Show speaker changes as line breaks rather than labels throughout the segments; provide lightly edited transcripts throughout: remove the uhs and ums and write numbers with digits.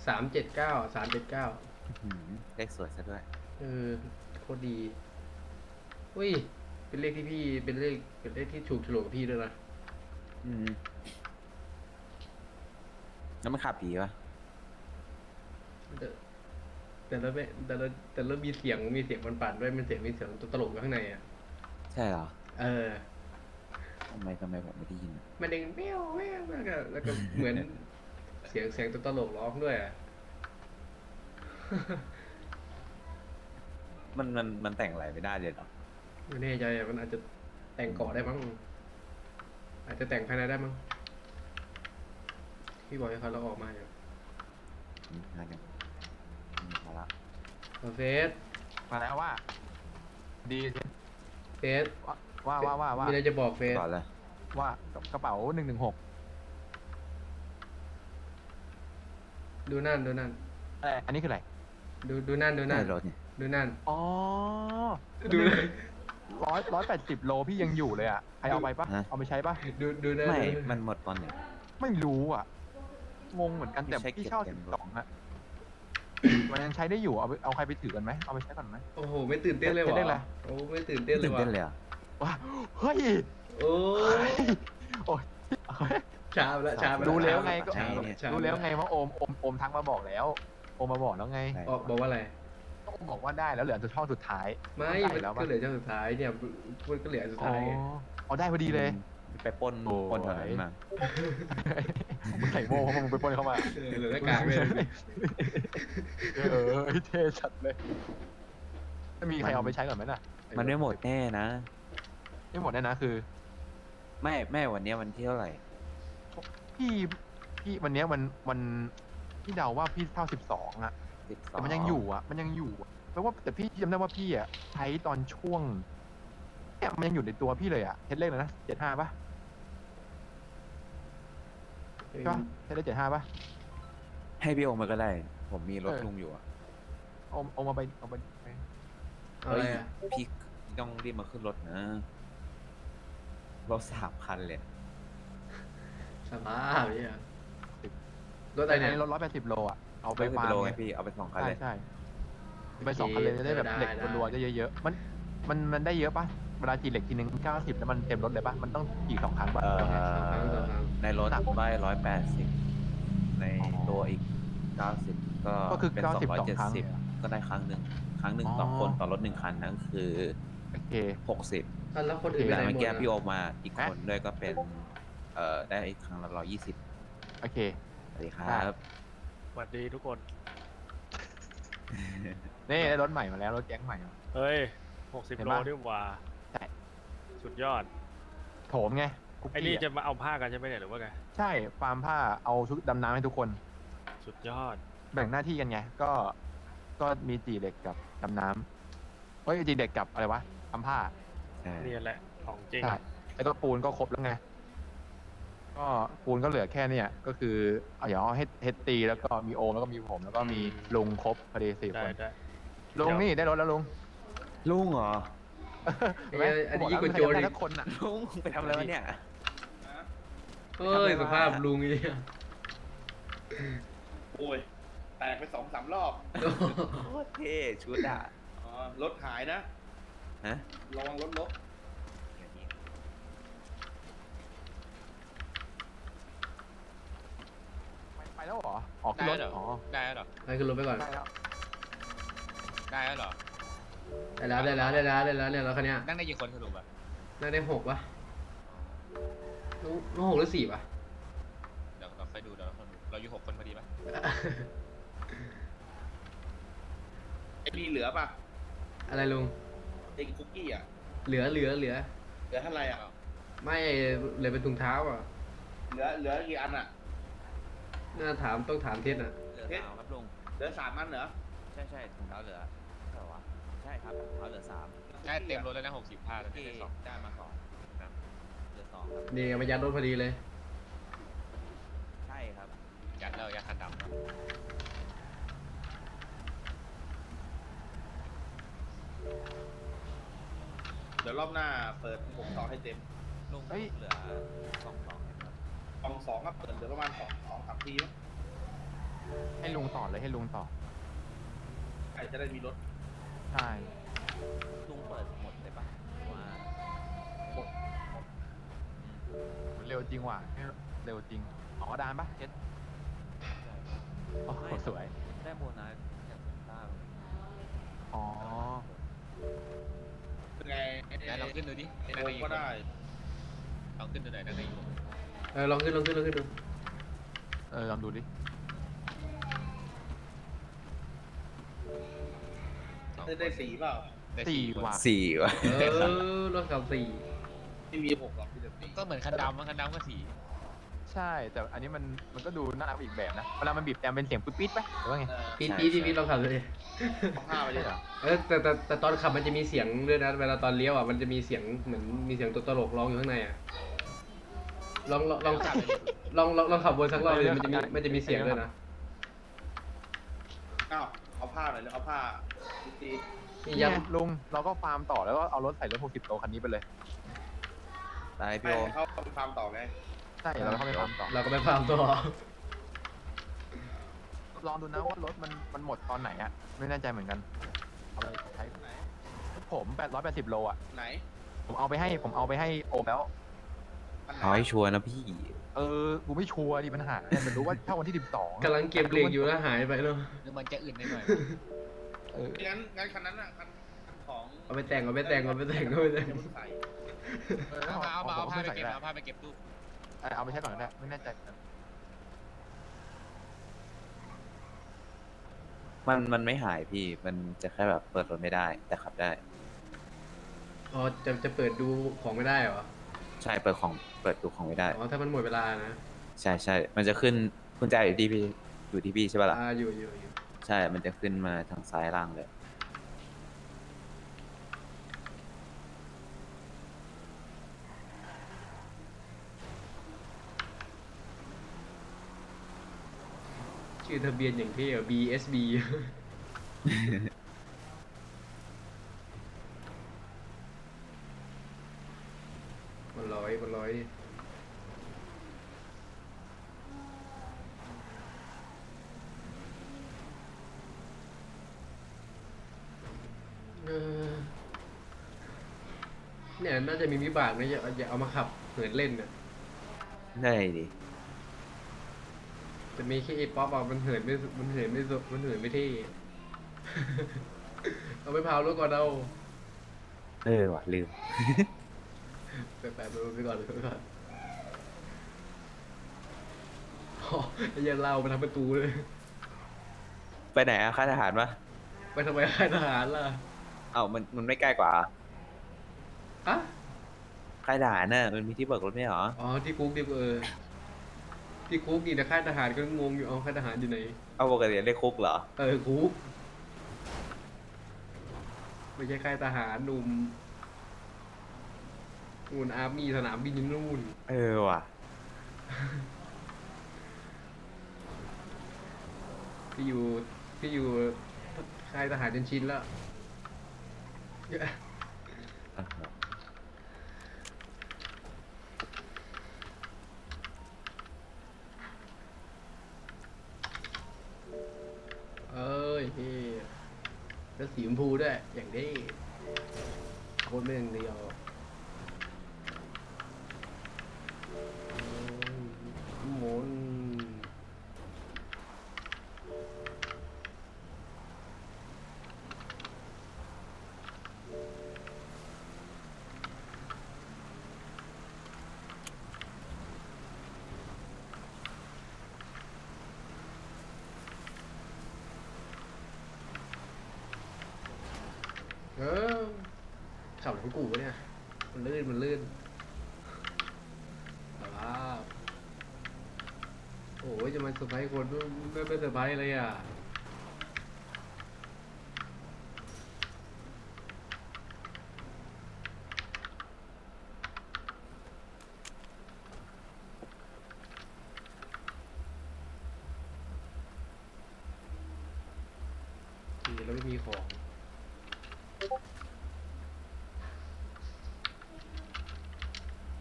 379
เลขสวยซะด้วย
เออโคตรดีอุ้ยเป็นเลขที่พี่เป็นเลขที่ถูกโฉลกกับพี่ด้วยนะ
อืมแล้วมันขับดีปะ
แต่แต่ละมีเสียงมันปั่นด้วยมันมีเสียงตัวตลกอยู่ข้างในอ่ะ
ใช่เหรอ
เออ
ทำไมผมไม่ได้ยินอะ
มันเด้งแมวแมวแล้วก็เหมือนเสียงตัวตลกร้องด้วยอ่ะ
มันแต่งอะไรไม่ได้เลยเหรอ
ไม่แน่ใจอ่ะมันอาจจะแต่งเกาะได้มั้งอาจจะแต่งภายในได้มั้งพี่บอกให้เขาเราออกมาอยู่
งานยังมาละ
เฟส
มาแล้วว่าดี
เฟส
ว่า
มีอะไรจะบอกเฟส
ก่อนเลย
ว่ากระเป๋า116
ดูนั่น
อะไรอันนี้คืออะไร
ดูนั่น
ใช่รถเนี่ย
ดูนั่น
อ๋อ
ดู
180 โลพี่ยังอยู่เลยอ่ะใครเอาไปปะเอาไปใช้ปะ
ดูนั่น
ไม่มันหมดตอนไหน
ไม่รู้อ่ะงงเหมือนกันแต่พี่เช่า12อะมันยังใช้ได้อยู่เอาใครไปถือกันไหมเอาไปใช้ก่อนไหม
โอ้โหไม่ตื่นเต้นเลยหรอ
เต้นเลย
โอ้ไม่ตื่นเต้นเลย
ตื่น
ว่ะ
เต้นเลยอ่ะ
ว้าเฮ้ย
โอ้
โอ้ย
ช้าไป
รู้แล้วไงก็
ช้า
รู้แล้วไงว่าโอมทักมาบอกแล้วโอมมาบอกแล้วไง
บอกว่าอะไร
โอมบอกว่าได้แล้วเหลือช่องสุดท้าย
ไม่ก็เหลือช่วงสุดท้ายเนี่ยมันก็เหลือสุดท้ายไง
อ๋อได้พอดีเลย
ไปปนแถวนั้นมา
มึงใส่โม่เพราะมึงไปปล้นเข้ามา
เหลือหน้ากากเลย
เท่ชัดเลยไม่มีใครเอาไปใช้ก่อนไหมน่ะ
มันไม่หมดแน่นะ
ไม่หมดแน่นะคือ
ไม่วันนี้วันที่เท่าไหร่
พี่วันนี้วันพี่เดาว่าพี่เท่า12อ่ะแต่มันยังอยู่แปลว่าแต่พี่จำได้ว่าพี่อ่ะใช้ตอนช่วงเนี่ยมันยังอยู่ในตัวพี่เลยอ่ะเทสเลขเลยนะ75ป่ะใช่ป่ะเทสเลข75ป่ะ
ให้พี่โอมาก็ได้ผมมีรถลุงอยู่อ่ะ
เอามาไป
อะไรอ่ะ
พี่ต้องรีบมาขึ้นรถนะรถ3 คันเลย
สภาพเนี่ยรถอะไรเนี่ย
รถ180 โลอ่ะเอาไปฟาร์ม
ไงพี่เอาไป2 คันเลย
ใช่ไป2 คันเลยจะได้แบบเหล็กรัวๆจะเยอะๆมันได้เยอะป่ะเวลาจีเหล็กทีนึง90แล้วมันเต็มรถเลยป่ะมันต้องขี่2 ครั้งป่ะ
ในรถได้180ในตัวอีก90ก็
คือ
เป็น270ก็ได้ครั้งหนึ่งต่อคนต่อรถ1 คันนั่นคือ
โอเค
60
แล้วคนอื่นไป
แต่
ไหนหมด
เมื่อกี้พี่โอมาอีกคนด้วยก็เป็นได้อีกครั้งละ120
โอเค
สวัสดีครับ
สวัสดีทุกคน
นี่ได้รถใหม่มาแล้วรถแก๊งใหม่
เฮ้ย60 โลด้วยว่า
ใช่
สุดยอด
โถมไง
ไอ้นี่จะมาเอาผ้ากันใช่ไหมเนี่ยหรือว่าไง
ใช่ฟาร์มผ้าเอาชุดดำน้ำให้ทุกคน
สุดยอด
แบ่งหน้าที่กันไงก็มีจีเหล็กกับดำน้ำเฮ้ยจีเหล็กกับอะไรวะทำผ้า
นี่แหละของจริง
ใช่ไอ้ตัวปูนก็ครบแล้วไงก็ปูนก็เหลือแค่เนี่ยก็คือเอาอย่างเฮดตีแล้วก็มีโอมแล้วก็มีผมแล้วก็มีลุงครบพอดี4 คนลุงนี่ได้รถแล้ว
ลุงเหรอ
อันนี้ยิ่งกว่าโจรอีก
คนอ่ะ
ลุงไปทำอะไรวะเนี่ย
เฮ้ยสภาพลุงนี่
โอ้ยแตกไป2-3 รอบ
โคตรเท่ชุดอ่ะ
รถหายนะ
ฮะ
ระวังรถลบ
ไปแล้วเหรอออกขึ้นรถอ๋อ
ได้แล้วเหรอ
ให้ขึ้นรถไปก่อน
ได้แล้วเหรอ
ได้แล้วเนี่ยรถคันนี้
นั่งได้กี่คนสรุปอ่ะ
นั่งได้6 ป่ะน้อง6 หรือ 4ป่ะ
เดี๋ยวเราไปดูเราอยู่6 คนพอดีป่ะ
ไอ้นี่เหลือป่ะ
อะไรลุง
ไอ้คุกกี้อ่ะ
เหลือ
เท่าไหร่อ่ะ
ไม่เหลือเป็นถุงเท้าอ่ะ
เหลือกี่อันอ่ะ
น่าต้องถามเทสอ่ะ
เหลือ3ครับลุง
เหลือ3 อันเหรอ
ใช่ถุงเท้าเหลือเท่าไหร่ใช่ครับถุงเท้าเหลือ3
ได้เต็มรถแล้วนะ60 ผ้าแล้ว
ที่ได้มาก่อนครับเหลือ2ครับ
นี่มายัดรถพอดีเลย
ใช่ครับ
ยัดคันดำ
เดี๋ยวรอบหน้าเปิด62ให้เต็ม
ลุงเหลือ22ครับ
2ก็เปิดเหลือประมาณ2-3 ทีมั้ง
ให้ลุงต่อเลยให้ลุงต่อ
ใครจะได้มีรถ
ใช่
ลุงเปิดหมดเลยปะหรือว่า
เร็วจริงว่ะเร็วจริงอ๋อดานปะเจ็ดโอ้โหสวย
ได้โบนัสอย่างเซนต้า
อ๋อ
เป็นไง
ไหนลองขึ้นดูดิ
โอ
นั่งได้อยู่
ก็ได้
ลองขึ้นดูหน่อยนั่งได้อยู่
ลองขึ้นดู
ลองดูดิ
ได้สีเปล่า
ได้
สี่
คน
ว่ะ
สี่วะ
รถขับ4
ไม่มี6หรอกมีแต่สี
ก็เหมือนคันดำมันคันดำก็สี
ใช่ แต่อันนี้มันก็ดูน่ารักอีกแบบนะ เวลามันบีบแต่เป็นเสียงปิ๊ดปิ๊ดปะหรือว่าไง
ปี๊ดลองขับเลย
เอาผ้าไปเลยเหรอ
แต่ตอนขับมันจะมีเสียงด้วยนะเวลาตอนเลี้ยวอ่ะมันจะมีเสียงเหมือนมีเสียงตัวตลกร้องอยู่ข้างในอ่ะลองขับลองขับวนสักรอบเลยมันจะมีเสียงด้วยนะ
อ้าวเอาผ้าหน่อยเลยเอาผ้าดี
นี่
นี่
ยั
ไง
ง
ลุงเราก็ฟาร์มต่อแล้วก็เอารถใส่รถ60 โลคันนี้ไปเลย
ได้
ๆ
พี่โอ
ให้เขาไปฟาร์มต่อไง
ใช่เราเข้าไปฟาร์มต่อ
เราก็ไปฟาร์มต่อ
ลองดูนะว่ารถมันหมดตอนไหนอะไม่แน่ใจเหมือนกันเอาไปใช้
ไหน
ผม880 โลอะ
ไหน
ผมเอาไปให้โอมแล้ว
อันไหน
เอาให้ชัวร์นะพี่
กูไม่ชัวร์ดิปัญหาเนี่ยมันรู้ว่าเช่าวันที่ 12
กำลังเก็บเหล็กอยู่แล้วหายไปแล้ว
หรือมันจะอื่นหน่อย
งั้นคันนั้นอ่ะคันของ
เอาไปแต่ง
เดี๋ยวมึงใส่
ๆเอาผ้าไปเก็บเอาผ้าไปเก็บตู้
เอาไปใช้ก่อนก็ได้ไม่แน่ใจเหมือนกัน
มันไม่หายพี่ มันจะแค่แบบเปิดรถไม่ได้ แต่ขับได้
อ๋อจะเปิดดูของไม่ได้เหรอ
ใช่ เปิดดูของไม่ได้
อ๋อถ้ามันหมดเวลานะ
ใช่ใช่ มันจะขึ้นกุญแจอยู่ที่พี่ใช่ปะล่ะ
อยู่
ใช่ มันจะขึ้นมาทางซ้ายล่างเลย
ชื่อทะเบียนอย่างเท่อะ BSB มันร้อยเออเนี่ยน่าจะมีวิบากนะอย่าเอามาขับเหินเล่นน่ะ
ได้ดิ
จะมีแค่ไอ้ป๊อปอ่ะมันเหินไม่เท่ เอาไปเผารถก่อนเอา
ว่ะลืม
ไปก่อนอ๋อไอ้เหี้ยันเล่าไปทำประตูเลย
ไปไหนอะค่ายทหารปะ
ไปทำไมค่ายทหารล่ะ
เอ้ามันไม่ใกล้กว่า
อะ
ค่ายทหารน่ะมันมีที่เบิกรถไม่เหรอ
อ๋อที่คุกที่ที่คุกนี่นะค่ายทหารก็งงอยู่เอาค่ายทหารอยู่ไหน
เอาปกติเรียกคุกเหรอ
คุกไม่ใช่ค่ายทหารหนุ่มนู่นอาร์มี่สนามบินอยู่นู่น
ว่ะ
พี่อยู่ค่ายทหารจนชินแล้ว เอ้ยพี่แล้วสีชมพูด้วย อย่างนี้โคตรไม่อย่างเดียวหมุนขับหลังกูวะเนี่ย มันลื่นว้าวโอ้ยจะมาเซอร์ไพรส์คนไม่เซอร์ไพรส์เลยอ่ะทีแล้วไม่มีของ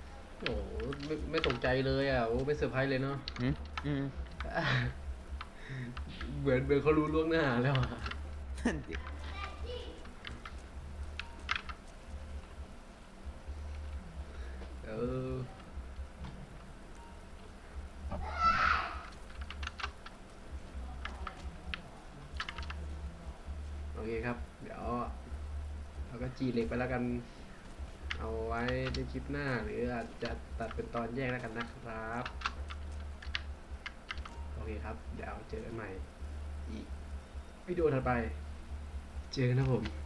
โอ้โหไม่ตกใจเลยอ่ะโอ้ไม่เซอร์ไพรส์เลยเนาะ
อืม
เหมือนเขารู้ล่วงหน้าแล้วอะ
นั่นดิ
เออโอเคครับ เดี๋ยวเราก็จีเหล็กไปแล้วกัน เอาไว้ในคลิปหน้าหรืออาจจะตัดเป็นตอนแยกแล้วกันนะครับ โอเคครับ เดี๋ยวเจอกันใหม่อีกวิดีโอถัดไป เจอกันนะผม